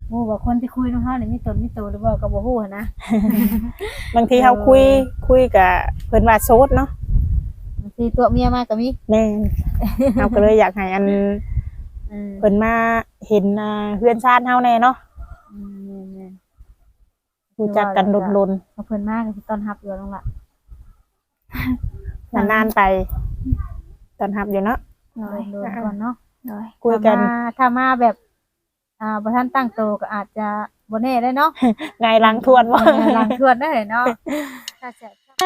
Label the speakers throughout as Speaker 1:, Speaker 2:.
Speaker 1: หมู่ว่าคนที่คุยนำเฮานี่มีตนมีตัวหรือบ่ก็บ่ฮู้หันนะ
Speaker 2: บางทีเฮาคุยกับเพิ่นว่าโสดเนาะ
Speaker 1: บางทีตัวเมียมาก็มี
Speaker 2: แม่นเฮาก็เลยอยากให้อัน เพิ่น
Speaker 1: ม
Speaker 2: มาเห็นเฮือนชานเฮาแน่เนาะ
Speaker 1: แม่นๆคือ
Speaker 2: รู้จักกันดน
Speaker 1: เอาเพิ่นมาก็สิต้อนรับอยู่น้องล่ะ
Speaker 2: ๆนานๆไปต้อนรับอยู่เนาะ
Speaker 3: โดย
Speaker 1: โดนๆก่อนเนาะ
Speaker 3: โดย
Speaker 2: คุยกัน
Speaker 1: ถ้ามาแบบบ่ทันตั้งโตวก็อาจจะบ่แน่ได้เนาะ
Speaker 2: ไงหลังทวนว่า
Speaker 1: หลังทวนได้เนาะถ้าจะ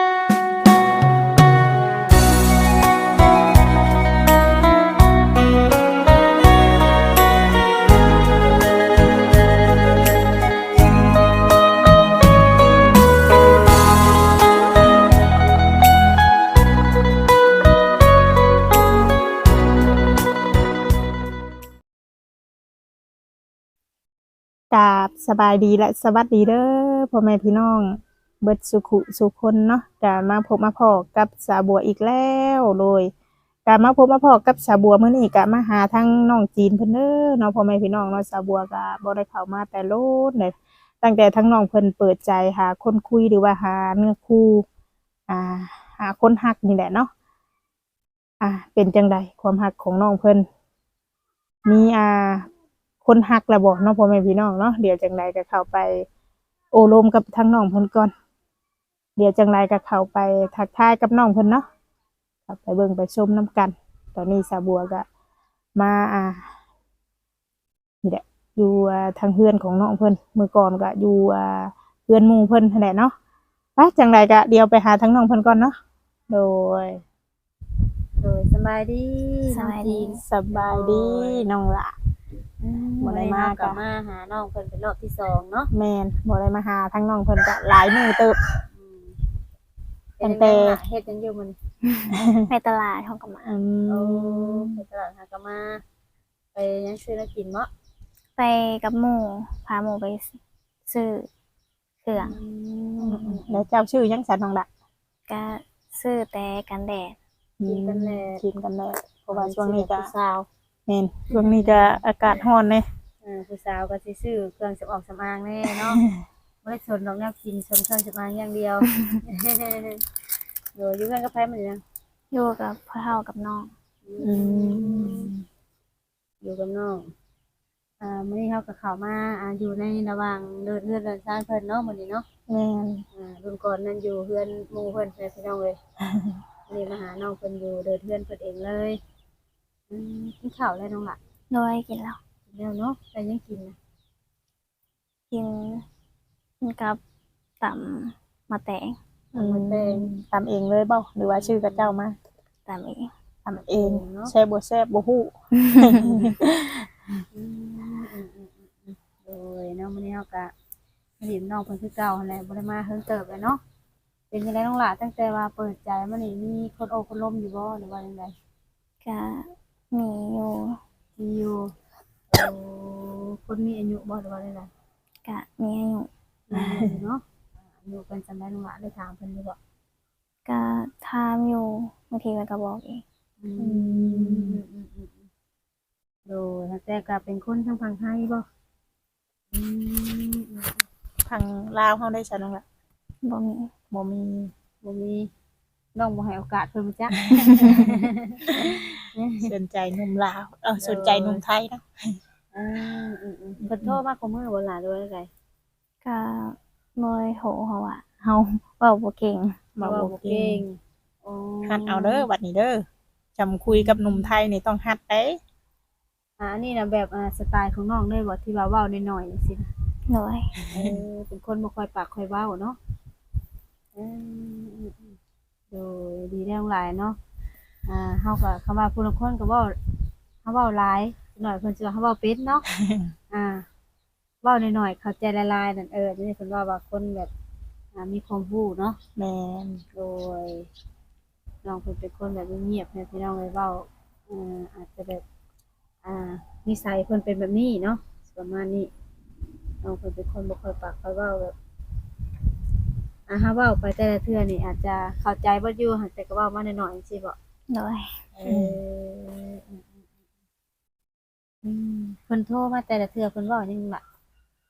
Speaker 2: กราบสบายดีและสวัสดีเด้อพ่อแม่พี่น้องเบิดสุขุสุคนเนาะกามาพบมาพอกับสาบัวอีกแล้วเลยกามาพบมาพอกับสาบัวมื้อนี้กะมาหาทั้งน้องจีนเพิ่นเด้อเนาะพ่อแม่พี่น้องเนาะสาบัวก็บ่ได้เข้ามาแต่โลดเลยตั้งแต่ทั้งน้องเพิ่นเปิดใจหาคนคุยหรือว่าหาเนื้อคู่อ่าหาคนฮักนี่แหละเนาะเป็นจังใดความฮักของน้องเพิ่นมีคนฮักแล้วบ่เนาะพ่อแม่พี่น้องเนาะเดี๋ยวจังไรก็เข้าไปโอโลมกับทั้งน้องเพิ่นก่อนเดี๋ยวจังไรก็เข้าไปทักทายกับน้องเพิ่นเนาะเข้าไปเบิ่งไปชมน้ำกันตอนนี้สาบัวก็มานี่แหละอยู่ทางเฮือนของน้องเพิ่นมื้อก่อนก็อยู่เฮือนหมู่เพิ่นนั่นแหละเนาะไปจังไรก็เดี๋ยวไปหาทั้งน้องเพิ่นก่อนเนาะโดย
Speaker 1: สบายดี
Speaker 3: สบายดี
Speaker 2: สบายดีน้องละบ่ได้มา
Speaker 1: กลับมาหาน้องเพิ่นเป็นรอบที่2เนาะ
Speaker 2: แม่นบ่ได้มาหาทั้งน้องเพิ่นก็หลายมื้อเติบ ตั้งแต่
Speaker 1: เฮ็ดจังอยู่มัน
Speaker 3: ไปตลาดเขาก็มา
Speaker 1: ไปตลาดหากะมาไปยังซื้อแล้วกินเนาะ
Speaker 3: ไปกับหมู่พาหมู่ไปซื้อเครื่อง
Speaker 2: แล้วเจ้าชื่อยังสันน้องละ
Speaker 3: ก็ซื้อแต่กันแดด
Speaker 2: กินกันแน่เพราะว่าช่วงนี้ก็
Speaker 1: ผู้สาว
Speaker 2: แม่นช่วงนี้ก็อากาศร้อนเด้
Speaker 1: ผู้สาวก็สิซื้อเครื่องสำอางแน่เนาะบ่ได้สนดอกแนวกินสนเครื่องสำอางอย่างเดียวอยู่กันกับไผมันยัง
Speaker 3: อยู่กับพ่อเฒ่ากับน้อง
Speaker 1: อยู่กับน้องมื้อนี้เฮาก็เข้ามาอยู่ในระหว่างเดินชานเพิ่นเนาะมื้อนี้เนาะ
Speaker 2: แม่น
Speaker 1: รุ่นก่อนนั้นอยู่เฮือนหมู่เพิ่นไปพี่น้องเอ้ยวันนี้มาหาน้องเพิ่นอยู่เดินเฮือนเพิ่นเองเลยกินข้าวแล้วน้องล่ะ
Speaker 3: โดยกินแล้ว
Speaker 1: กินแล้วเนาะแต่ยังกินนะ
Speaker 3: กินกับตำมะแตง
Speaker 1: มันแดง
Speaker 2: ทำเองเลยเปล่าหรือว่าชื่อกับเจ้ามา
Speaker 3: ตำเอง
Speaker 2: ทำเองแซ่บบ่ฮู้
Speaker 1: โดยเนาะมื้อนี้เฮาก็มาดินน้องเพิ่นคือเก่าหั่นแหละบ่ได้มาเฮิงเติบเลยเนาะเป็นจังไดน้องล่ะตั้งแต่ว่าเปิดใจมานี่มีคนโอ้คนล้มอยู่บ่หรือว่าจังได
Speaker 3: ก็มีอยู่
Speaker 1: มีอยู่คนมีอายุบ่หรือว่าจังได
Speaker 3: ก็มีอายุ
Speaker 1: มีเนาะอายุเพิ่นจำได้น้องล่ะได้ถามเพิ่นอยู่บ่
Speaker 3: ก็ถามอยู่บางทีมันก็บอกเอง
Speaker 1: โดยแต่ก็เป็นคนทางฝั่งไทยบ่
Speaker 2: ทางลาวเฮาได้ซะน้องละ
Speaker 3: บ่มี
Speaker 2: บ่มี
Speaker 1: บ่มีน้องบ่ให้โอกาสเพิ่นมาจ้ะ
Speaker 2: สนใจหนุ่มลาวสนใจหนุ่มไทยเนาะ
Speaker 1: เพิ่นโทรมาขอมือบ่ล่ะด้วยได
Speaker 3: ก็บ่ได้โทรเพราะว่าเฮาเว้าบ่เก่ง
Speaker 2: มาบ่เก่ง
Speaker 1: อ๋อ
Speaker 2: ฮัดเอาเด้อบัดนี้เด้อจำคุยกับหนุ่มไทยนี่ต้องฮัดเด้
Speaker 1: อันนี้น่ะแบบสไตล์ของน้องเลยบ่ที่ว่าเว้าน้อยๆจังซี่นะ
Speaker 3: โดย
Speaker 1: เป็นคนบ่ค่อยปากค่อยเว้าเนาะโดยดีแล้วหลายเนาะเฮาก็คำว่าผู้ลางคนก็เว้าเฮาเว้าหลายหน่อยเพิ่นสิว่าเฮาเว้าเป็นเนาะ เว้าน้อยๆเข้าใจหลายๆนั่นนี่เพิ่นว่าคนแบบมีความรู้เนาะ
Speaker 2: แม่น
Speaker 1: โดยน้องเพิ่นเป็นคนแบบเงียบๆนะพี่น้องเลยเว้าอาจจะแบบนิสัยเพิ่นเป็นแบบนี้เนาะประมาณนี้น้องเพิ่นเป็นคนบ่ค่อยปากค่อยเว้าแบบถ้าเว้าไปแต่ละเทื่อนี่อาจจะเข้าใจบ่อยู่หั่นแต่ก็เว้ามาน้อยๆจังซี่บ่
Speaker 3: โดย
Speaker 1: เพิ่นโทรมาแต่ละเทื่อเพิ่นเว้าหยังล่ะ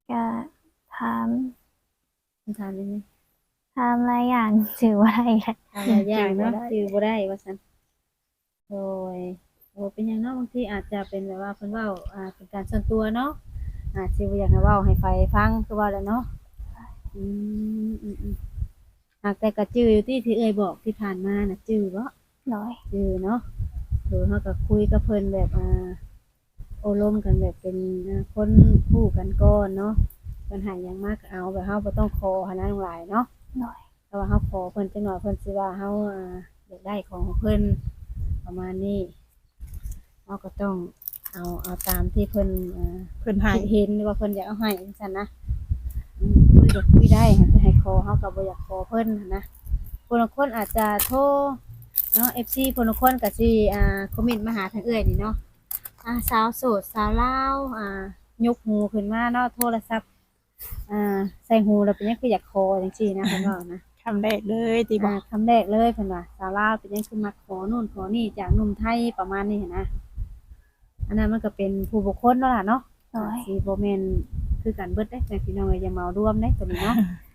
Speaker 3: ก็ถาม
Speaker 1: คำถามนี้ไหม
Speaker 3: ถามหลายอย่างชื่อว่าอะไรแหละ
Speaker 1: ถามหลายอย่างเนาะ
Speaker 2: จื้อบ่ได้
Speaker 1: จือบ่ได้ว่าซั่นโดยโอ้เป็นหยังเนาะบางทีอาจจะเป็นแบบว่าเพิ่นเว้าเป็นการส่วนตัวเนาะอาจสิบ่อยากให้เว้าให้ไฟฟังคือว่าแหล้วเนาะอืมหากแต่ก็จื้ออยู่ที่เอ่ยบอกที่ผ่านมาน่ะจื้อบ่
Speaker 3: โดย
Speaker 1: จื้อเนาะเฮาก็คุยกับเพิ่นแบบโอ้ล้มกันแบบเป็นคนคู่กันก่อนเนาะเพิ่นให้หยังมาก็เอาแบบเฮาบ่ต้องขอหันนะน้องหลายเนาะ
Speaker 3: โดย
Speaker 1: แต่ว่าเฮาขอเพิ่นจักหน่อยเพิ่นสิว่าเฮาอยากได้ของเพิ่นประมาณนี้เราก็ต้องเอาตามที่เพิ่น
Speaker 2: เพิ่นให้
Speaker 1: เห็นว่าเพิ่นอยากเอาให้จังซั่นนะคุยก็คุยได้ค่ะจะให้ขอเฮาก็บ่อยากขอเพิ่นหั้นนะคนบางคนอาจจะโทรเนาะ FC คนบางคนก็สิคอมเมนต์มาหาทางเอื้อยนี่เนาะสาวโสดสาวลาวยกหูขึ้นมาเนาะโทรศัพท์ใส่หูแล้วเป็นหยังคืออยากขอจังซี่นะเพิ่นว่านะ
Speaker 2: คำแรกเลยติบ่
Speaker 1: คำแรกเลยเพิ่นว่าสาวลาวเป็นยังคือมักขอนู่นขอนี่จากหนุ่มไทยประมาณนี้หั้นนะอันนั้นมันก็เป็นผู้บุคคลเนาะล่ะเนาะ
Speaker 3: โดย
Speaker 1: สิบ่แม่นคือกันเบิดเด้แต่พี่น้องอย่าเหมารวมเด้ตัวนี้เนาะ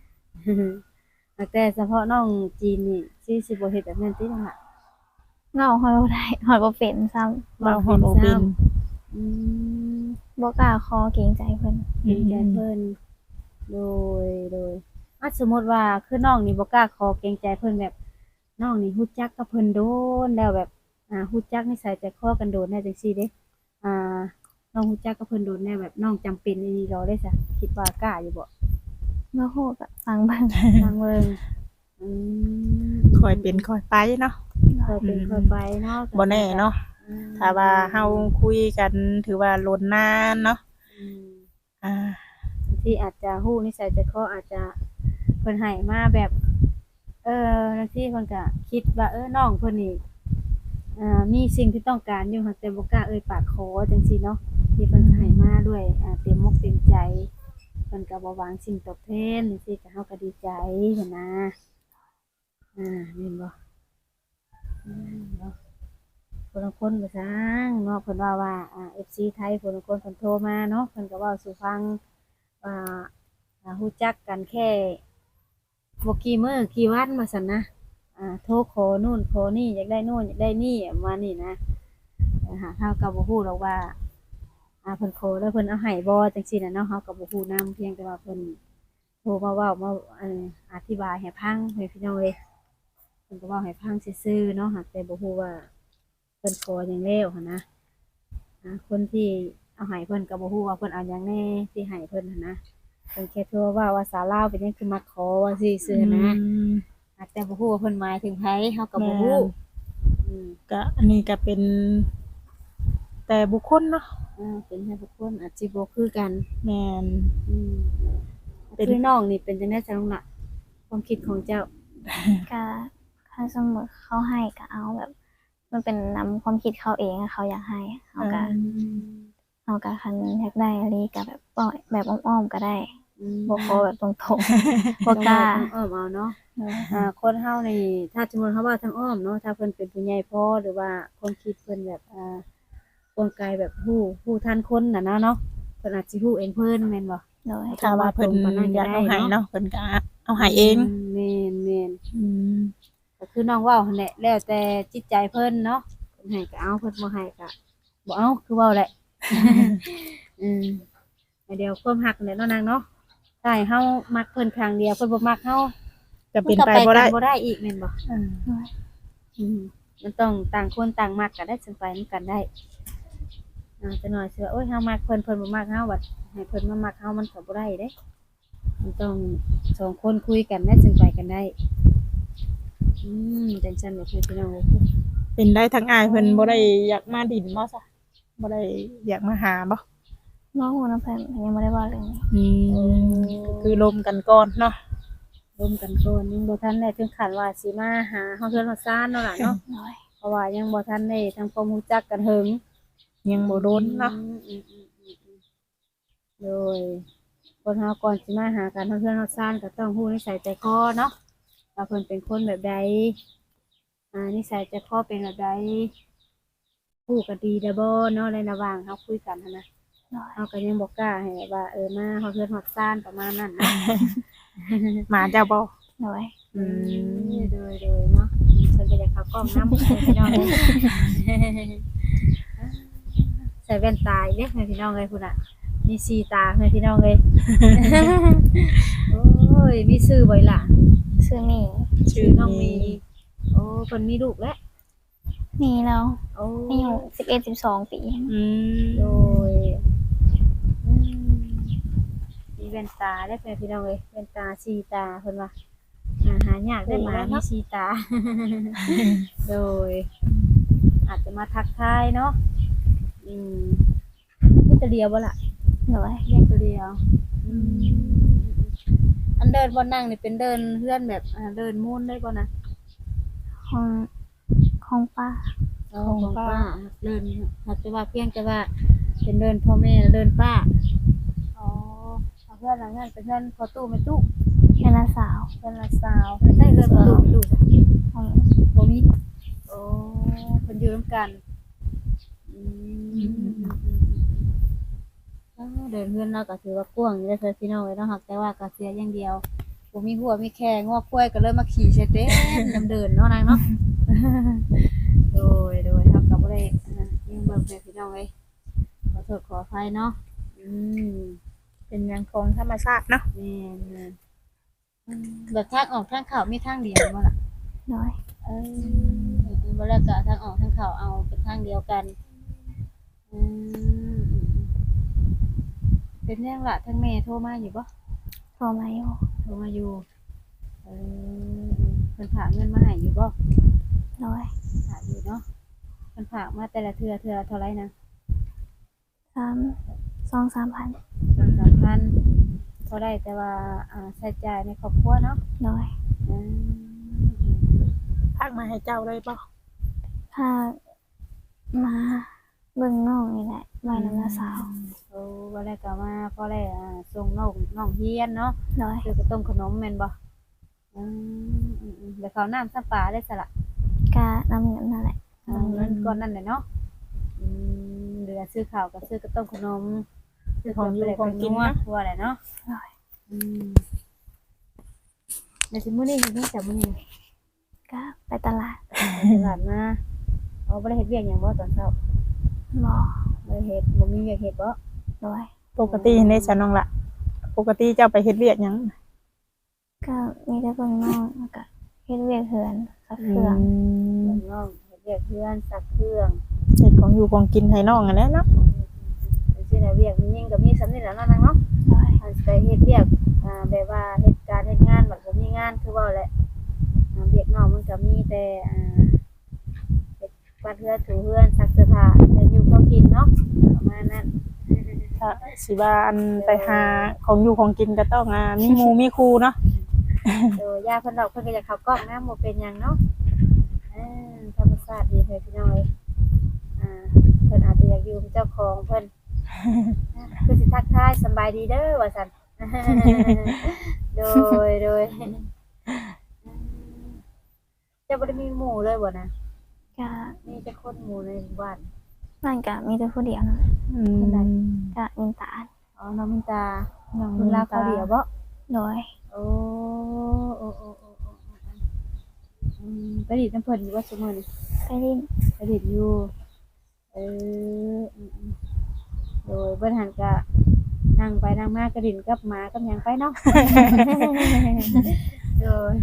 Speaker 1: แต่เฉพาะน้องจีนนี่สิบ่เฮ็ดแบบนั้นติล่ะ
Speaker 3: เว้าฮอดบ่ได้ฮอดบ่เป็นซ้ำ
Speaker 2: เราฮอดบ่เป็น
Speaker 1: อืม
Speaker 3: บ่กล้าขอเกรงใจเพิ่น
Speaker 1: เห็นใจเพิ่นโดยสมมุติว่าคือน้องนี่บ่กล้าขอเกรงใจเพิ่นแบบน้องนี่ฮู้จักกับเพิ่นโดนแล้วแบบฮู้จักนิสัยใจคอกันโดนแน่จังซี่เด้อ่าน้องฮู้จักกับเพิ่นโดนแน่แบบน้องจำเป็นอีหลีเราได้ซะคิดว่ากล้าอยู่บ่
Speaker 3: บ่ฮู้ก็ฟังเบิ่ง
Speaker 1: ทางเบิ่งอืม
Speaker 2: ค่อยเป็นค่อยไปเนาะ
Speaker 1: ค่อยเป็นค่อยไปเนาะ
Speaker 2: บ่แน่เนาะ
Speaker 1: อืม
Speaker 2: ถ้าว่าเฮาคุยกันถือว่าล้นนานเนาะ
Speaker 1: อืม
Speaker 2: อ่า
Speaker 1: บางทีอาจจะฮู้นิสัยใจคออาจจะเพิ่นให้มาแบบบางทีเพิ่นก็คิดว่าน้องเพิ่นนี่มีสิ่งที่ต้องการอยู่ค่ะแต่บ่กล้าเอ่ยปากขอจังซี่เนาะที่เพิ่นให้มาด้วยเต็มอกเต็มใจเพิ่นก็บ่หวังสิ่งตอบแทนจังซี่ก็เฮาก็ดีใจหั้นนะแม่นบ่เนาะคนละคนก็ซังเนาะเพิ่นว่าFC ไทยคนละคนเพิ่นโทรมาเนาะเพิ่นก็เว้าสู่ฟังว่ารู้จักกันแค่บ่กี่มื้อกี่วันว่าซั่นนะโทรขอนู่นขอนี่อยากได้นู่นอยากได้นี่ประมาณนี้นะเฮาก็บ่ฮู้หรอกว่าเพิ่นขอแล้วเพิ่นเอาให้บ่จังซี่น่ะเนาะเฮาก็บ่ฮู้นำเพียงแต่ว่าเพิ่นโทรมาเว้ามาอธิบายให้ฟังให้พี่น้องเลยเพิ่นก็เว้าให้ฟังซื่อๆเนาะแต่บ่ฮู้ว่าเพิ่นขอหยังแล้วหันนะคนที่เอาให้เพิ่นก็บ่ฮู้ว่าเพิ่นเอาหยังแน่ที่ให้เพิ่นหันนะเพิ่นแค่โทรว่าสาวลาวเป็นหยังคือมาขอว่าซื่อๆนะ แต่บ่ฮู้ว่าเพิ่นหมายถึงไผเฮาก็บ่ฮู้อืม
Speaker 2: ก็อันนี้ก็เป็นแต่บุคคลเนาะ
Speaker 1: เป็นให้ทุกคนอาจสิบ่คือกัน
Speaker 2: แม่น
Speaker 1: อืม
Speaker 2: เป็น
Speaker 1: คือน้องนี่เป็นจังได๋จังล่ะความคิดของเจ้า
Speaker 3: ก็ถ้าสมมุติเขาให้ก็เอาแบบ มันเป็นนำความคิดเขาเองอะเขาอยากให้เขาก็คันอยากได้อะไรก็แบบปล่อยแบบอ้อมๆก็ได้บ่ขอแบบตรงๆบ่กล้า
Speaker 1: อ้อมเอาเนาะคนเฮานี่ถ้าสมมุติเฮาว่าทางอ้อมเนาะถ้าเพิ่นเป็นผู้ใหญ่พอหรือว่าความคิดเพิ่นแบบกลไกแบบฮู้ทันคนน่ะเนาะเพิ่นอาจสิฮู้เองเพิ่นแม่นบ่
Speaker 3: โดย
Speaker 2: ถ้าว่าเพิ่นอยากเอาให้เนาะเพิ่นก็เอาให้เอง
Speaker 1: แม่น
Speaker 2: อืม
Speaker 1: ก็คือน้องเว้าหั่นแหละแล้วแต่จิตใจเพิ่นเนาะเพิ่นให้ก็เอาเพิ่นบ่ให้ก็บ่เอาคือเว้าแหละ อืมเดี๋ยวความรักนั่นแหละเนาะนางเนาะถ้าให้เฮามักเพิ่นครั้งเดียวเพิ่นบ่มักเฮา
Speaker 2: จะเป็นไปบ่ได้
Speaker 1: มันก็กันบ่ได้อีกแม่นบ่
Speaker 2: อืม
Speaker 3: โดย
Speaker 1: มันต้องต่างคนต่างมักกันได้จังไปนำกันได้จะหน่อยเชื่อโอ้ยเฮามักเพิ่นบ่มักเฮาบัดให้เพิ่นมามักเฮามันก็บ่ได้เด้มันต้องสองคนคุยกันได้จังไปกันได้จังซั่นแหละพี่น้อง
Speaker 2: เป็นได้ทั้งอ้ายเพิ่นบ่ได้อยากมาดินบ่ซะบ่ได้อยากมาหาบ่
Speaker 3: น้องหัวน้ำเพิ่นยังบ่ได้เว่าเรื่องนี้
Speaker 2: ก็คือลมกันก่อนเนาะ
Speaker 1: ร่วมกันก่อนยังบ่ทันได้ถึงขั้นว่าสิมาหาเฮาเทื่อนเฮาซ่านเนาะล่ะเนาะ
Speaker 3: โดย
Speaker 1: เพราะว่ายังบ่ทันได้ทำความรู้จักกันเฮิง
Speaker 2: ยังบ่โดนเนาะ
Speaker 1: โดยคนเฮาก่อนสิมาหากันเฮาเทื่อนเฮาซ่านก็ต้องฮู้นิสัยใจคอเนาะว่าเพิ่นเป็นคนแบบใดนิสัยใจคอเป็นแบบใดฮู้กันดีเด้อบ่เนาะในระหว่างเฮาคุยกันหันนะ
Speaker 3: โดย
Speaker 1: เฮาก็ยังบ่กล้าให้ว่ามาเฮาเฮือนฮอดซ่านประมาณนั้นเนาะ
Speaker 2: หมาเจ้าบ่
Speaker 3: โดย
Speaker 1: โดยเนาะเพิ่นก็อยากเข้ากล้องนำพี่น้องเอ้ยใส่แว่นตาอีกเด้อพี่น้องเอ้ยพุ่นน่ะมีสีตาพี่น้องเอ้ย โอ้ยมีชื่อบ่ล่ะ
Speaker 3: ชื่อหมี
Speaker 1: ชื่อน้องมีโอ้เพิ่นมีลูกแล้ว
Speaker 3: มีแล้ว
Speaker 1: โอ้
Speaker 3: อายุ11-12 ปี
Speaker 1: โดยอืมมีแว่นตาได้พี่น้องเอ้ยแว่นตาสีตาเพิ่นว่าหายากได้หมามีสีตา โดย อาจจะมาทักทายเนาะมีตัวเดียวบ่ล่ะ
Speaker 3: โดย
Speaker 1: เลี้ยงตัวเดียวอันเดินบ่นั่งนี่เป็นเดินเพื่อนแบบเดินมุ่นได้บ่นะ
Speaker 3: ของป้า
Speaker 1: ของป้าเดินอาจจะว่าเพียงแต่ว่าเป็นเดินพ่อแม่เดินป้าอ๋อเอาเพื่อนหลังนั้นเป็นเพื่อนพอตู้ไม่ตู้
Speaker 3: เป็นน้าสาว
Speaker 1: เพื่อนละสาวเพิ่นได้เดินพอตู้ไม่ตู้จ้ะ
Speaker 3: ของ
Speaker 1: บ่มีโอ้เพิ่นอยู่ร่วมกันเดินเพื่อนเราก็ถือว่ากว้างอยู่แล้วพี่น้องเอ้ยเนาะแต่ว่าก็เสียอย่างเดียวบ่มีหัวมีแข้งงอกกล้วยก็เลยมาขี่ใส่เต้นน้ำเดินเนาะนางเนาะ โดยเฮาก็บ่ได้ยังเบิ่งแม่พี่น้องเอ้ยขอโทษขออภัยเนาะ
Speaker 2: เป็นหยังของธรรมชาติเนาะ
Speaker 1: แม่นแบบทางออกทางเข้ามีทางเดียวบ่ล่ะ
Speaker 3: โดย
Speaker 1: บ่แล้วก็ทางออกทางเข้าเอาเป็นทางเดียวกันเป็นยังล่ะทางแม่โทรมาอยู่บ่
Speaker 3: โทรมาอยู่
Speaker 1: โทรมาอยู่เพิ่นฝากเงินมาให้อยู่บ่
Speaker 3: โดย
Speaker 1: ฝากอยู่เนาะเพิ่นฝากมาแต่ละเทื่อเท่าไหร่นะ
Speaker 3: 2-3,000
Speaker 1: 2-3,000พอได้แต่ว่าใช้จ่ายในครอบครัวเนาะ
Speaker 3: โดย
Speaker 2: พักมาให้เจ้าเลยบ่
Speaker 3: พามาเบิ่งน้องนี่แหละไว้นำน้าสาว
Speaker 1: บ่ได้ก็มาพอได้ส่งน้องเฮียนเนาะ
Speaker 3: โดย
Speaker 1: ซื้อกระต้มขนมแม่นบ่แล้วข้าวน้ำซัปลาได้ซะล่ะ
Speaker 3: กะนำเงินนั่นแหละ
Speaker 1: เงินก้อนนั่นแหละเนาะเหลือซื้อข้าวกับซื้อกระต้มขนมซื้อของอยู่ของกินนะว่าแหละเนาะในสิมื้อนี้เฮ็ดจังมื้อนี้
Speaker 3: ก็ไปตลาด
Speaker 1: ตลาดมาบ่ได้เฮ็ดเวียกหยังบ่ตอนเช้า
Speaker 3: บ่
Speaker 1: บ่ได้เฮ็ดบ่มีเวียกเฮ็ดบ่
Speaker 3: โดย
Speaker 2: ปกติในฉันน้องละปกติเจ้าไปเฮ็ดเวียกหยัง
Speaker 3: ก็มีแต่เบิ่งน้องแล้วก็เฮ็ดเวียกเฮือนซักเครื่อง
Speaker 1: น้องเฮ็ดเวียกเพื่อนซักเครื่อง
Speaker 2: เฮ็ดของอยู่ของกินให้น้องอันนั้นเนาะ
Speaker 1: สิน่ะเวียกมีหยังก็มีสำนี้แหละเนาะนางเนาะ
Speaker 3: โดย
Speaker 1: อันไปเฮ็ดเวียกแบบว่าเฮ็ดการเฮ็ดงานบัดบ่มีงานคือว่าแหละเวียกน้องมันก็มีแต่เฮ็ดกวาดเรือนถูเรือนซักเสื้อผ้าแต่อยู่พอกินเนาะประมาณนั้น
Speaker 2: ถ้าสิว่าอันไปหาของอยู่ของกินก็ต้องมีหมู่มีครูเนาะ
Speaker 1: ย่าเพิ่นดอกเพิ่นก็อยากเข้ากล้องนะบ่เป็นหยังเนาะธรรมชาติดีเพิ่นพี่น้อยเพิ่นอาจจะอยากอยู่เป็นเจ้าของเพิ่นคือสิทักทายสำบายดีเด้อว่าซั่น โดยจะบ่ได้มีหมู่เลยบ่นะ
Speaker 3: ก็
Speaker 1: มีแต่คนหมู่ในหมู่บ้าน
Speaker 3: บ้านก็มีแต่ผู้เดียวนั่นแหละ ก็มินตาล
Speaker 1: อ๋อน้องมินตา
Speaker 2: น้อง
Speaker 1: เพิ่นลาเขาเดียวบ่
Speaker 3: โดย
Speaker 1: โอ้ไปดิน้ำเพิ่นอยู่ว่าซุมื้อนี้
Speaker 3: ไปลิ้น
Speaker 1: ไปดิอยู่โดยเบิ่นหันก็นั่งไปนั่งมากระดิ่นกับหมากับหยังไปเนาะ โดย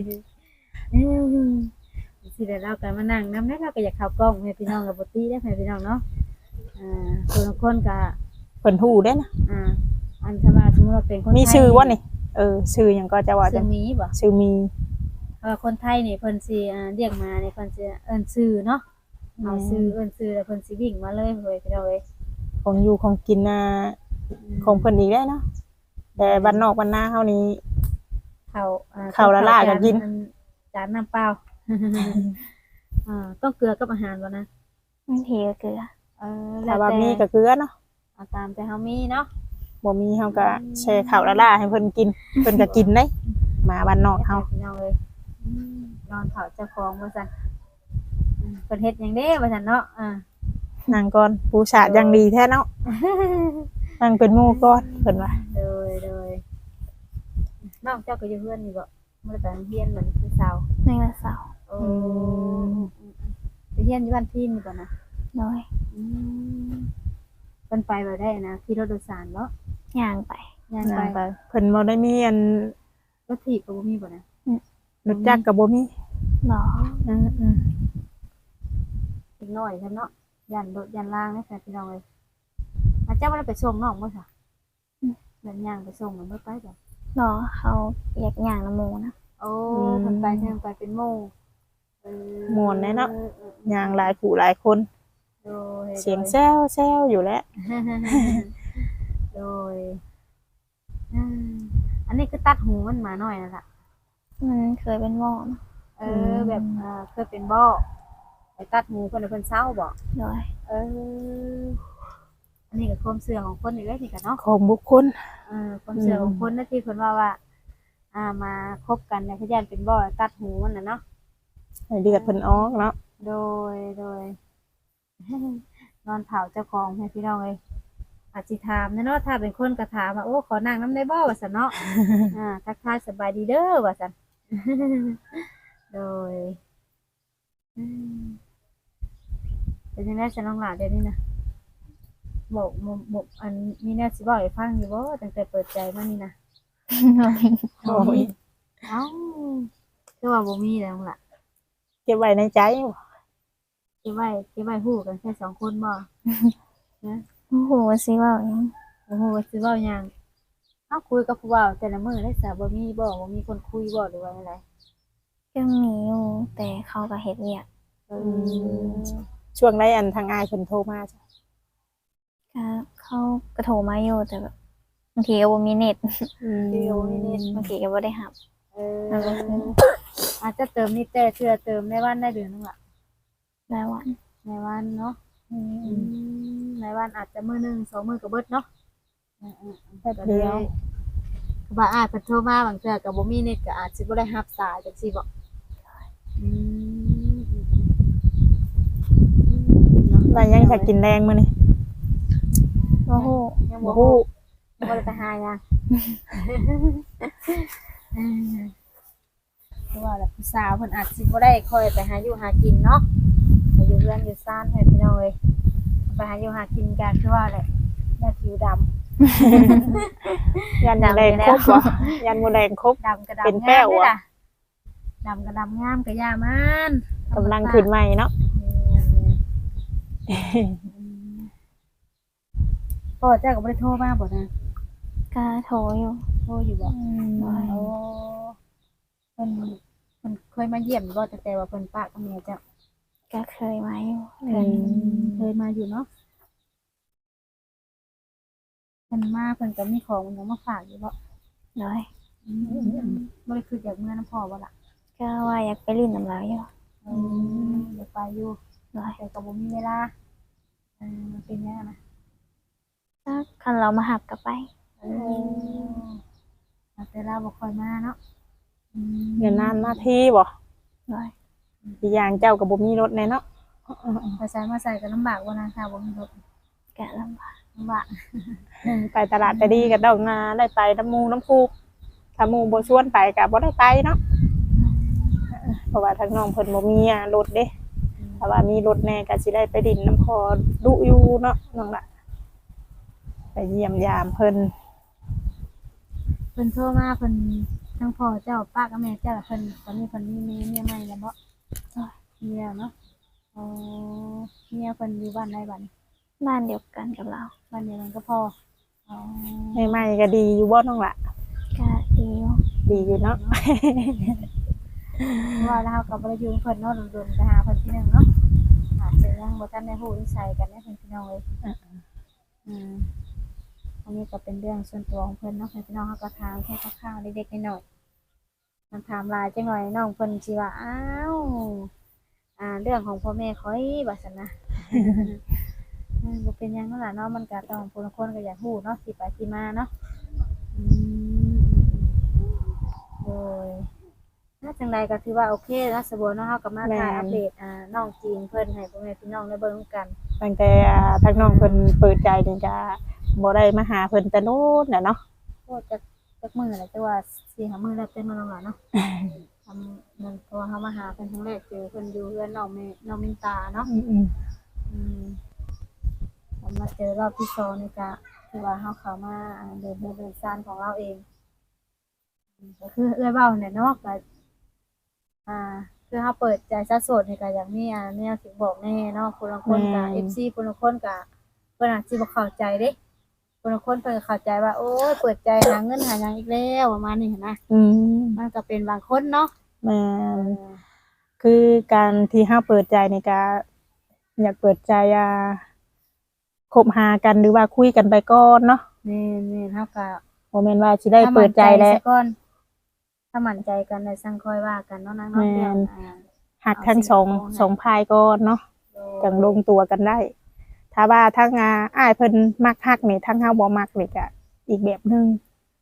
Speaker 1: สิได้เราก็มานั่งนำได้เราก็อยากเข้ากล้องให้พี่น้องกับบ่ติได้ให้พี่น้องเนาะคนก็
Speaker 2: เพิ่นฮู้เด้นะ
Speaker 1: อันถ้าว่าสมมุติว่าเป็นคนไทย
Speaker 2: มีชื่อบ่นี่ชื่อหยังก็จะว่า
Speaker 1: ชื่
Speaker 2: จั
Speaker 1: อง มีบ่
Speaker 2: ชื่อมี
Speaker 1: คนไทยนี่เพิ่นสิเรียกมานี่เพิ่นสิเอิ้นชื่อเนาะเอาชื่อเอิ้นชื่อแล้วเพิ่นสิวิ่งมาเลยเฮ้ยพี่น้องเอ้ย
Speaker 2: ของอยู่ของกินของเพิ่นอีกได้เนาะแต่บ้านนอกบ้านนาเฮานี่ ข้าวละลาก็กิน
Speaker 1: จานน้ำเปล่า ต้องเกลือกับอาหารบ่นะ
Speaker 3: บางทีก็เกลือ
Speaker 2: ถ้าว่ามีก็เกลือเนาะ
Speaker 1: เอาตามแต่เฮามีเนาะ
Speaker 2: บ่มีเฮาก็แช่ข้าวละลาให้เพิ่นกินเพิ่นก็กินได้หมาบ้านนอกเฮา
Speaker 1: พี่น้องเอ้ยนอนเผาเจ้าของว่าซั่นเพิ่นเฮ็ดหยังเด้ว่าซั่นเนาะ
Speaker 2: นั่งก่อนปูชาดอย่างดีแท้เนาะนั่งเป็นหมู่ก่อนเพิ่นว่า
Speaker 1: โดยน้องเจ้าก็อยู่เพื่อนนี่บ่บ่ได้ไปโรงเรียนเหมือนพี่สาว
Speaker 3: ในวันเสาร์
Speaker 1: โอ้ไปเรียนอยู่บ้านพี่นี่บ่นะ
Speaker 3: โดย
Speaker 1: อืมเพิ่นไปบ่ได้นะขี่รถโดยสารบ่
Speaker 3: ย่างไป
Speaker 1: ย่าง
Speaker 2: นั่ง
Speaker 1: ไป
Speaker 2: ไปเพิ่นบ่ได้มีอัน
Speaker 1: รถถีบก็บ่มีบ่นะ
Speaker 2: รถจักรก็บ่มี
Speaker 3: บ่
Speaker 2: อือ
Speaker 1: อีกหน่อยซั่นเนาะย่านรถย่านล่างนะค่ะพี่น้องเอ้ยอาเจ้าบ่ได้ไปส่งน้องบ่ซะแบบย่างไปส่งมันบ่ไปบ่
Speaker 3: บ่เขาอยากย่างน้ำหมูนะ
Speaker 1: โอ้เพิ่นไปเพิ่นไปเป็นหมู่เออ
Speaker 2: ม่วนแน่เนาะย่างหลายผู้หลายคน
Speaker 1: โดย
Speaker 2: เสียงแซวๆอยู่แล้ว
Speaker 1: โดยอันนี้คือตัดหูมันมาหน่อยนั่นล่ะ
Speaker 3: มันเคยเป็นหม้อนะ
Speaker 1: แบบเคยเป็นบ่ไปตัดหูเพิ่นให้เพิ่นเศร้าบ่
Speaker 3: โดย
Speaker 1: อันนี้ก็ความเชื่อของคนอีกแล้วนี่ก็เนาะ
Speaker 2: ของบุคคล
Speaker 1: ความเชื่อของคนนะที่เพิ่นว่ามาคบกันเนี่ยเขาย่านเป็นบ่ตัดหูมันน่ะเนาะ
Speaker 2: ให้เลือดเพิ่นออกเนาะ
Speaker 1: โดย นอนเผาเจ้าของให้พี่น้องเอ้ยอาจสิถามเนาะถ้าเป็นคนก็ถามว่าโอ้ขอนั่งน้ำได้บ่ว่าซั่นเนาะ ทักทายสบายดีเด้อว่าซั่น โดยเป็นจังได๋ฉันน้องหลานเดี๋ยวนี้นะบอกอันมีแนวสิบอกให้ฟังอยู่บ่ตั้งแต่เปิดใจมานี่นะ
Speaker 2: บ่มี
Speaker 1: เอ้าคือว่าบ่มีแล้วล่ะ
Speaker 2: เก็บไว้ในใจ
Speaker 1: เก็บไว้ฮู้กันแค่2คนบ่
Speaker 3: โอ้โหสิเว่าหยัง
Speaker 1: โอ้โหสิเว้าหยังเอ้าคุยกับผู้เว้าแต่ละมื้อได้ซะบ่มีคนคุยบ่หรือว่าอะไร
Speaker 3: ยังมีอยู่แต่เขาก็เฮ็ดเวียก
Speaker 2: ช่วงใดอันทางอ้ายเพิ่นโทรมาจ้ะ
Speaker 3: ก็เขาก็โทรมาอยู่แต่แบบบางทีก็บ่มีเน็ต
Speaker 1: เดี๋ยวนี้นี่
Speaker 3: บางทีก็บ่ได้รับ
Speaker 1: อาจจะเติมนี่แต่เทื่อเติมในวันได้เดือนนึงล่ะ
Speaker 3: รายวัน
Speaker 1: ในวันเนาะในวันอาจจะมื้อหนึง2มื้อก็เบิดเนาะแป๊บเดียวว่าอาจเพิ่นโทรมาบางเทื่อก็บ่มีเน็ตก็อาจสิบ่ได้รับสายจังซี่บ่เนาะ
Speaker 2: ได้ยังจะกินแรงมื้อนี้
Speaker 3: บ่ฮู้
Speaker 1: ยัง
Speaker 2: บ่
Speaker 1: บ่
Speaker 2: ฮู้
Speaker 1: ฮู้ยังบ่ได้ไปหาหยังเพราะว่าแบบผู้สาวเพิ่นอาจสิบ่ได้ค่อยไปหาอยู่หากินเนาะไปอยู่เรือนอยู่ซ่านให้พี่น้องเอ้ยไปหาอยู่หากินกันคือว่าแหละแม่ผิวดำ
Speaker 2: ยันแรงครบบ่ยันบ่แรงครบ
Speaker 1: ดำกระดำ
Speaker 2: เป็นแป้ว
Speaker 1: งาม
Speaker 2: อะ
Speaker 1: เด้ล่ะดำกระดำงามกระยามัน
Speaker 2: กำลังขึ้นใหม่เนาะ
Speaker 1: พ่อเจ้าก็บ่ได้โทรมาบ่นะ
Speaker 3: ก็โทรอยู่
Speaker 1: โทรอยู่บ่
Speaker 3: โดย
Speaker 1: โอ้เพิ่นเคยมาเยี่ยมอยู่บ่ตั้งแต่ว่าเพิ่นปะกับแม่เจ้า
Speaker 3: ก็เคยมาอยู่
Speaker 1: เคยมาอยู่เนาะเพิ่นมาเพิ่นก็มีของมันมาฝากอยู่บ่
Speaker 3: โดย
Speaker 1: บ่ได้คืออยากเมื่อน้ำพ่อบ่ล่ะ
Speaker 3: ก็ว่าอยากไปลิ้นน้ำลายอยู่
Speaker 1: อยากไปอยู่
Speaker 3: โดย
Speaker 1: แต่ก็บ่มีเวลาเป็นยังไงนะ
Speaker 3: ถ้าคันเรามาหับก็ไป
Speaker 1: แต่เราบ่ค่อยมาเนาะ
Speaker 2: เดี๋ยวนานมาทีบ่
Speaker 3: โดย
Speaker 2: อีกอย่างเจ้าก็บ่มีรถแน่เนาะ
Speaker 1: ไปใส่มาใส่ก็ลำบากบ่นะค่ะบ่มีรถ
Speaker 3: กะลำบาก
Speaker 1: ลำบาก
Speaker 2: ไปตลาดก็ดีก็ต้องมาได้ไปน้ำหมู่น้ำคูถ้าหมู่บ่ชวนไปก็บ่ได้ไปเนาะเพราะว่าทางน้องเพิ่นบ่มีรถเด้ถ้าว่ามีรถแน่ก็สิได้ไปดินน้ำพอดุอยู่เนาะน้องละไปเยี่ยมยามเพิ่น
Speaker 1: เพิ่นโทรมาเพิ่นทั้งพ่อเจ้าป้ากับแม่เจ้าเพิ่นตอนนี้เพิ่นมีเมียใหม่แล้วบ่เมียเนาะเมียเพิ่นอยู่บ้านใดบ้าน
Speaker 3: บ้านเดียวกันกับเรา
Speaker 1: บ้านเดียวกันก็พอ
Speaker 2: ใหม่ๆก็ดีอยู่บ่น้องละ
Speaker 3: ก็ดีอยู่
Speaker 2: ดีอยู่เนาะ
Speaker 1: ว่าแล้วก็บ่ได้อยู่เพิ่นเนาะโดนๆไปหาเพิ่นที่นึงเนาะอาจจะยังบ่ทันได้ฮู้นิสัยกันนะเพิ่นพี่น้องเอ้ยอันนี้ก็เป็นเรื่องส่วนตัวของเพิ่นเนาะพี่น้องเฮาก็ถามแค่คร่าวๆเล็กๆน้อยๆมันถามหลายจังหน่อยน้องเพิ่นสิว่าอ้าวเรื่องของพ่อแม่ค่อยว่าซั่นนะ บ่เป็นหยังนั่นล่ะเนาะมันก็ต้องผู้คนก็อยากฮู้เนาะที่ไปที่มาเนาะโดยถ้าจังใดก็ถือว่าโอเคนะสะบัวเนาะเฮาก็มาถ่ายอัปเดตน้องจีนเพิ่นให้พ่อแม่พี่น้องได้เบิ่งกัน
Speaker 2: ตั้งแต่ทางน้องเพิ่นเปิดใจนี่ก็บ่ได้มาหาเพิ่นแต่โน้นน่ะเนาะ
Speaker 1: โคตรจักมื้อแหละแต่ว่า4-5มื้อแล้วเต็มมาแล้วล่ะเนาะทำมันเพราะว่าเฮามาหาเพิ่นครั้งแรกเจอเพิ่นอยู่เรือนน้องมินตาเนาะ
Speaker 2: อืม
Speaker 1: อืมพอมาเจอรอบที่สองนี่ก็คือว่าเฮาเข้ามาเดินซานของเราเองก็คือเอื้อยเว้าเนี่ยเนาะก็อ่าคือเฮาเปิดใจซะโสดนี่ก็อย่างนี้แนวสิบอกแน่เนาะคนละคนก็ FC คนละคนก็เพิ่นอาจสิบ่เข้าใจเด้คนละคนเพิ่นก็เข้าใจว่าโอ้ยเปิดใจหาเงินหาหยังอีกแล้วประมาณนี้หั้นนะ
Speaker 2: อืม
Speaker 1: มันก็เป็นบางคนเนาะ
Speaker 2: แม่น
Speaker 1: เออ
Speaker 2: คือการที่เฮาเปิดใจนี่ก็อยากเปิดใจคบหากันหรือว่าคุยกันไปก่อนเนาะ
Speaker 1: แม่นๆเฮาก็
Speaker 2: บ่แม่นว่าสิได้เปิดใจแล้ว
Speaker 1: ซะก่อนถ้ามั่นใจกันได้สั่งค่อยว่ากันเนาะนางเนาะ
Speaker 2: แม่น
Speaker 1: เรื่อง
Speaker 2: หักทั้งสองพายก่อนเนาะจังลงตัวกันได้ ถ้าว่าทั้งอ้ายเพิ่นมักฮักนี่ทั้งเฮาบ่มักนี่ก็อีกแบบหนึง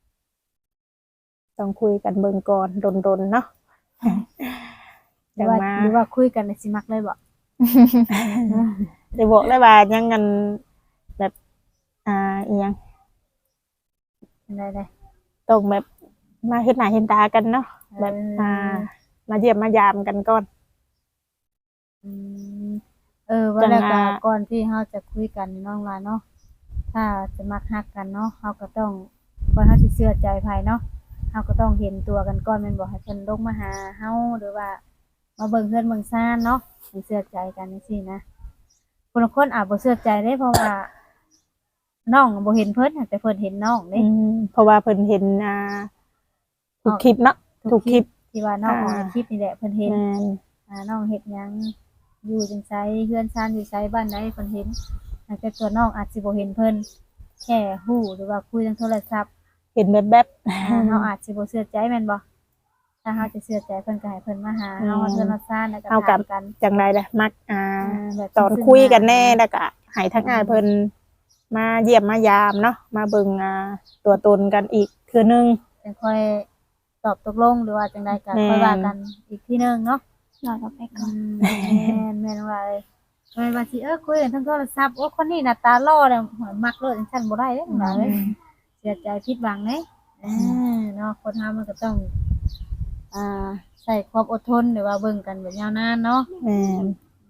Speaker 2: ต้องคุยกันเบิ่งก่อนดนๆเนาะ
Speaker 1: หรือว่าหรือว่าคุยกันในสิมักเลยบ่
Speaker 2: ได้บอกได้ว่ายังกันแบบอีหยัง
Speaker 1: ได้
Speaker 2: ต้องแบบมาเฮ็ดหน้าเห็นตากันเนาะแบบมาเยี่ยมมายามกันก่อน
Speaker 1: อืมว่าแล้ว
Speaker 2: จั
Speaker 1: ก็
Speaker 2: ง
Speaker 1: ก่อนที่เฮาจะคุยกันนี่น้องว่าเนาะถ้าจะมักฮักกันเนาะเฮาก็ต้องก่อนเฮาสิเชื่อใจไผเนาะเฮาก็ต้องเห็นตัวกันก่อนแม่นบ่ให้เพิ่นลงมาหาเฮาหรือว่ามาเบิ่งเฮือนเบิ่งซ่านเนาะให้เชื่อใจกันจังซี่นะคนละคนอาจบ่เชื่อใจเด้เพราะว่าน้องบ่เห็นเพิ่นแต่เพิ่นเห็นน้องเด้
Speaker 2: เพราะว่าเพิ่นเห็นทุกคลิปเนาะทุกคลิป
Speaker 1: ที่ว่าน้องออกในคลิปนี่แหละเพิ่นเห็น
Speaker 2: แม่น
Speaker 1: น้องเฮ็ดหยังอยู่จังไสเฮือนซ่านอยู่ไสบ้านใดเพิ่นเห็นแต่ตัวน้องอาจสิบ่เห็นเพิ่นแค่ฮู้หรือว่าคุยทางโทรศัพท์
Speaker 2: เห็นแบบ
Speaker 1: เฮาอาจสิบ่เชื่อใจแม่นบ่ถ้าเฮาจะเชื่อใจเพิ่นก็ให้เพิ่นมาหาเฮาเฮือนเฮาซ่านแล้วก็ถามกัน
Speaker 2: จังได๋ล่ะมัก
Speaker 1: แบบ
Speaker 2: ตอนคุยกันแน่แล้วก็ให้ทั้งอ้ายเพิ่นมาเยี่ยมมายามเนาะมาเบิ่งตัวตนกันอีกเทื่อนึง
Speaker 1: จังค่อยตอบตกลงหรือว่าจังใดก็
Speaker 2: แม่น
Speaker 1: ค่อยว่ากันอีกทีนึงเนาะ
Speaker 3: รอเราไปก่อน
Speaker 1: แม่นว่าว่าสิคุยกันทางโทรศัพท์โอ้คนนี้หน้าตาหล่อแล้วมักเลยจังซั่นบ่ได้เด้หล่ะเอ้ยเสียใจผิดหวังเด้เนาะคนเฮามันก็ต้องใช้ความอดทนหรือว่าเบิ่งกันแบบยาวนานเนาะ
Speaker 2: แม่น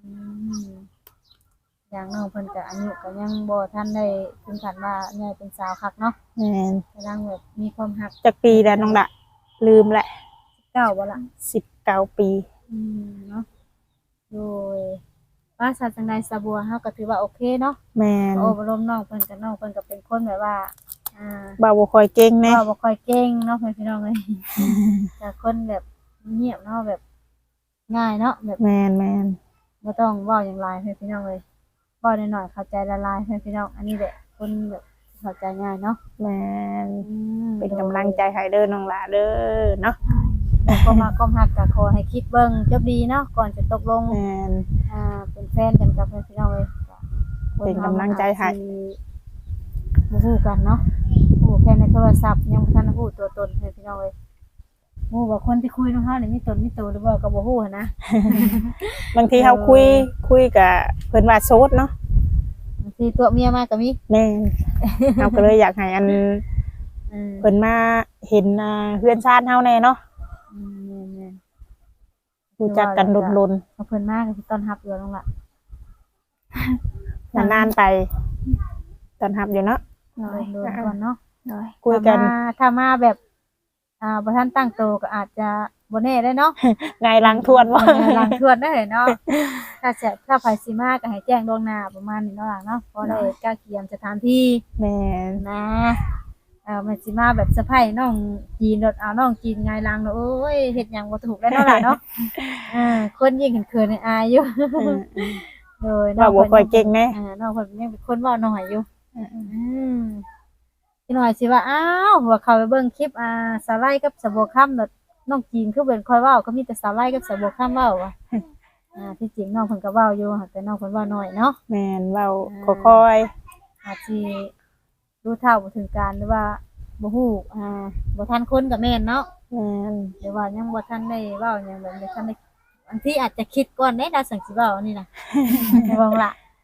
Speaker 1: อย่างน้องเพิ่นก็อายุก็ยังบ่ทันได้ถึงขั้นว่าใหญ่เป็นสาวคักเนาะ
Speaker 2: แม่น
Speaker 1: กำลังแบบมีความรัก
Speaker 2: จักปีแล้วน้องละลืมแหละ
Speaker 1: เก้าบ่ล่ะ
Speaker 2: 19 ปี
Speaker 1: เนาะโดยว่าศาสนาสะบัวเฮาก็ถือว่าโอเคเนาะ
Speaker 2: แม่น
Speaker 1: โอ้บ่ลมน้องเพิ่นก็เป็นคนแบบว่า
Speaker 2: บ่าวบ่ค่อยเก่งแน่
Speaker 1: ก็บ่ค่อยเก่งเนาะเพิ่นพี่น้องเอ้ยแต่คนแบบเงียบเนาะแบบง่ายเนาะแบบ
Speaker 2: แม่น
Speaker 1: บ่ต้องเว้าหยังหลายเพิ่นพี่น้องเอ้ยเว้าน้อยๆเข้าใจละลายเพิ่นพี่น้องอันนี้แหละคนแบบเข้าใจง่ายเนาะ
Speaker 2: แม่นเป็นกำลังใจให้เด้อน้องละเด้อเนาะ
Speaker 1: ก็มาก้มหักก็ขอให้คิดเบิ่งจบดีเนาะก่อนจะตกลง
Speaker 2: แม่น
Speaker 1: เป็นแฟนกันกับเพิ่นพี่น้องเอ้ย
Speaker 2: เป็นกำลังใจให้
Speaker 1: บ่ฮู้กันเนาะฮู้แค่ในโทรศัพท์ยังบ่ทันฮู้ตัวตนเพิ่นพี่น้องเอ้ยฮู้ว่าคนที่คุยนำเฮานี่มีตนมีตัวหรือบ่ก็บ่ฮู้หันนะ
Speaker 2: บางทีเฮาคุยกับเพิ่นว่าโสดเนาะ
Speaker 1: บางทีตัวเมียมาก็มี
Speaker 2: แม่นเฮาก็เลยอยากให้อัน
Speaker 1: อืม
Speaker 2: เพิ่นมาเห็นเฮือนชานเฮาแน่เนาะ
Speaker 1: แม่น
Speaker 2: รู้จักกันลน
Speaker 1: ๆเอาเพิ่นมาก็สิต้อนรับอยู่น้องล่ะ
Speaker 2: ๆนานๆไปตอนรับอยู่เนาะ
Speaker 3: โดย
Speaker 1: โดนๆก่อนเนาะ
Speaker 3: โดย
Speaker 2: คุยกัน
Speaker 1: ถ้ามาแบบบ่ทันตั้งโตวก็อาจจะบ่แน่ได้เนาะ
Speaker 2: ไงายหลังทวนว่า
Speaker 1: หลังทวนได้เนาะถ้าไผสิมาก็ให้แจ้งล่วงหน้าประมาณนี้เนาะล่ะเนาะเพราะได้กล้าเกียมสถานที่
Speaker 2: แม่น
Speaker 1: นะมันสิมาแบบเซอร์ไพรส์น้องจีนรถเอาน้องจีนไงายหลังเนาะโอ้ยเฮ็ดหยังบ่ถูกแล้วเนาะล่ะเนาะคนยิ่งเขินๆอายอยู่โดย
Speaker 2: ว่าบ่ค่อยเก่งแน่
Speaker 1: น้องเพิ่นยังเป็นคนเว้าน้อยอยู่พี่น้อยสิว่าอ้าวหัวเข้าไปเบิ่งคลิปสาไลกับสะบัวค่ำเนาะน้องจีนคือเป็นค่อยเว้าก็มีแต่สาไลกับสะบัวค่ำเว้าว่ะที่จริงน้องเพิ่นก็เว้าอยู่แต่น้องเพิ่นเว้าน้อยเนาะ
Speaker 2: แม่นเว้าค่อย
Speaker 1: อาจสิรู้เท่าบ่ถึงการหรือว่าบ่ฮู้บ่ทันคนก็แม่นเนาะ
Speaker 2: ๆแม่น
Speaker 1: หรือว่ายังบ่ทันได้เว้าหยังแบบนี้ทันได้บางทีอาจจะคิดก่อนเด้ดาวสังสิเว้าอันนี้น่ะ บ่ล่ะ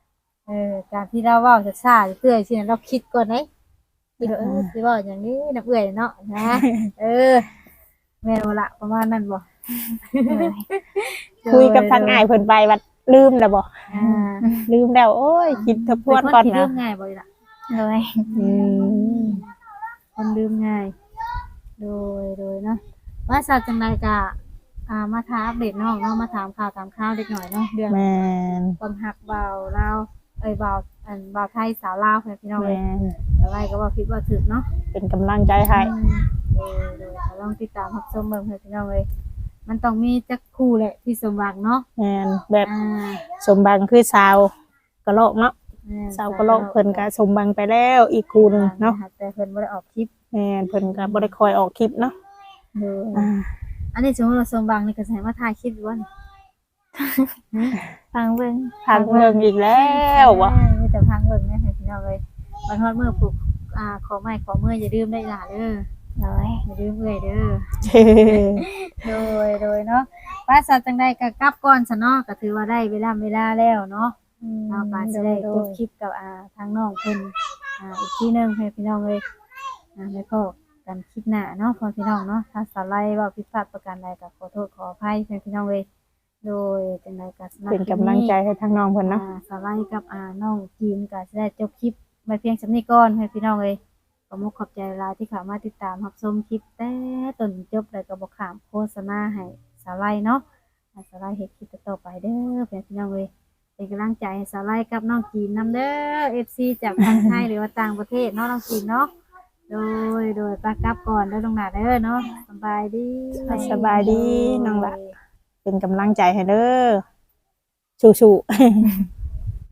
Speaker 1: การที่เราเว้าช้าๆเตื้อยๆสินะเราคิดก่อนเด้คิดว่าสิเว้าอย่างนี้น้ำเอื้อยเนาะนะ แม่นบ่ล่ะประมาณนั้นบ่
Speaker 3: เลย
Speaker 2: คุยกับทางอ้ายเพิ่นไปว่าลืมแล้วบ่
Speaker 1: อ่า
Speaker 2: ลืมแล้วโอ้ยคิดทบทวนก่อน
Speaker 1: เป็คที่ลื
Speaker 2: นะ
Speaker 1: มง่ายบ่ล่ะ
Speaker 3: เลย
Speaker 2: อืม
Speaker 1: คนลืมง่าย โดยเนาะว่าซาจังไดก็มาถามอัปเดตน้องเนาะมาถามข่าวตามข่าวเด็กหน่อยเนาะเรื่อง
Speaker 2: แม่น
Speaker 1: ความหักเบาลาวเบาเบาไทยสาวลาวพี่น้องเอ้ย
Speaker 2: แม่น
Speaker 1: อะไรก็ว่าผิดว่าถูกเนาะ
Speaker 2: เป็นกำลังใจให้
Speaker 1: โดยลองติดตามรับชมเบิ่งเพื่อนพี่น้องเลยมันต้องมีจักคู่แหละที่สมหวังเนาะ
Speaker 2: แม่นแบบ
Speaker 1: อ่า
Speaker 2: สมบังคือสาวกะโลกเนาะ
Speaker 1: แม่น
Speaker 2: สาวกะโลกเพิ่นก็สมบังไปแล้วอีกคู่หนึงเนาะ
Speaker 1: แต่เพิ่นบ่ได้ออกคลิป
Speaker 2: แม่นเพิ่นก็บ่ได้คอยออกคลิปเนาะ
Speaker 1: โดย
Speaker 2: อ่า
Speaker 1: อันนี้สมมติเราสมหวังนี่ก็สิให้มาถ่ายคลิปอยู่ว่านี่
Speaker 3: ฟังเบิ่ง
Speaker 2: ทางเมืองอีกแล้ววะ
Speaker 1: มีแต่พังเบิ่งเนี่ยพี่น้องเลยมาทอดมื้อปลูกขอไม้ขอมืออย่าลืมได้ล่ะเด้อ
Speaker 3: เลย
Speaker 1: อย่าลืมเอ้ยเด้อ
Speaker 2: เช่
Speaker 1: โดยเนาะป้าสัตว์จังใดก็กลับก่อนซะเนาะก็ถือว่าได้เวลาแล้วเนาะเอาก็สิได้จบคลิปกับทางน้องเพิ่นอีกทีหนึงให้พี่น้องเลยแล้วก็กันคลิปหน้าเนาะพ่อพี่น้องเนาะถ้าสไลด์ว่าผิดพลาดประการใดก็ขอโทษขออภัยให้พี่น้องเลยโดยจังใดก็สำหรับ
Speaker 2: เป็นกำลังใจให้ทางน้องเพิ่นเนาะ
Speaker 1: สไลด์กับน้องจีนก็สิได้จบคลิปไว้เพียงสำนี้ก่อนให้พี่น้องเลยขอมุกขอบใจหลายที่เข้ามาติดตามรับชมคลิปแต่ต้นจบเลยก็บ่ข้ามโฆษณาให้สไลด์เนาะให้สไลด์เฮ็ดคลิปต่อไปเด้อเพื่อนพี่น้องเลยเป็นกำลังใจให้สไลด์กับน้องจีนนำเด้อ FC จากทางไทยหรือว่าต่างประเทศเนาะน้องจีนเนาะโดยปากลับก่อนเด้อลงหน้าเด้อเนาะสบายดี
Speaker 2: สบายดีน้องละเป็นกำลังใจให้เด้อสู้ๆ